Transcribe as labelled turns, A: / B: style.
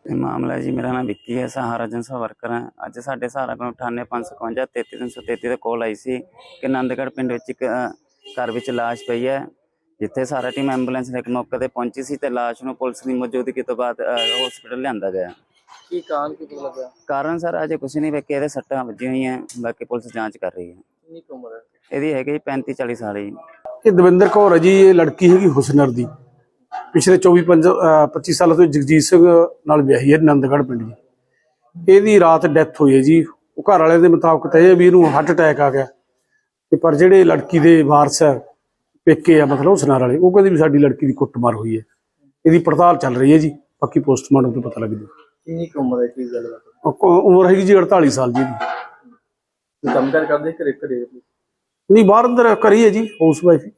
A: मामला है जी, मेरा नाम विक्की है, सहारा एजेंसी वर्कर है। अज साढ़े सहारा को 98 551 33 333 कॉल आई सी कि नंदगढ़ पिंड विच एक घर विच लाश पई है, जिथे सारा टीम एंबूलेंस लेके मौके ते पहुंची सी ते लाश नूं पुलिस की मौजूदगी तो बाद हॉस्पिटल लिआंदा गया।
B: की लगा
A: कारण सर अजे कुछ नहीं वेखे, इहदे सट्टां वजी हुई हैं, बाकी पुलिस जांच कर रही है।
B: कितनी की उम्र है?
A: ਇਹਦੀ ਹੈਗੀ 35 40 ਸਾਲ ਜੀ।
C: ਇਹ ਦਵਿੰਦਰ ਕੌਰ ਹੈ ਜੀ। ਇਹ ਲੜਕੀ ਹੈਗੀ ਹੁਸਨਰ ਦੀ, ਪਿਛਲੇ 25 ਸਾਲਾਂ ਤੋਂ ਜਗਜੀਤ ਸਿੰਘ ਨਾਲ ਵਿਆਹੀ ਹੈ ਨੰਦਗੜ੍ਹ ਪਿੰਡ ਜੀ। ਇਹਦੀ ਰਾਤ ਡੈਥ ਹੋਈ ਹੈ ਜੀ। ਉਹ ਘਰ ਵਾਲਿਆਂ ਦੇ ਮੁਤਾਬਕ ਤਾਂ ਇਹ ਵੀ ਇਹਨੂੰ ਹਾਰਟ ਅਟੈਕ ਆ ਗਿਆ ਤੇ ਪਰ ਜਿਹੜੇ ਲੜਕੀ ਦੇ ਵਾਰਸ ਹੈ ਪੇਕੇ ਆ ਮਤਲਬ ਹੁਸਨਰ ਵਾਲੇ, ਉਹ ਕਹਿੰਦੇ ਵੀ ਸਾਡੀ ਲੜਕੀ ਦੀ ਕੁੱਟਮਾਰ ਹੋਈ ਹੈ। ਇਹਦੀ ਪੜਤਾਲ ਚੱਲ ਰਹੀ ਹੈ ਜੀ, ਬਾਕੀ ਪੋਸਟਮਾਰਟਮ ਤੋਂ ਪਤਾ ਲੱਗ ਜੂ।
B: कितनी की उम्र है? की गल
C: ਉਮਰ ਹੈਗੀ ਜੀ 48 ਸਾਲ ਜੀ ਇਹਦੀ।
B: काम कर दे करे करे
C: ਨਹੀਂ ਬਾਹਰ ਅੰਦਰ ਕਰੀ ਹੈ ਜੀ, ਹਾਊਸ ਵਾਈਫ।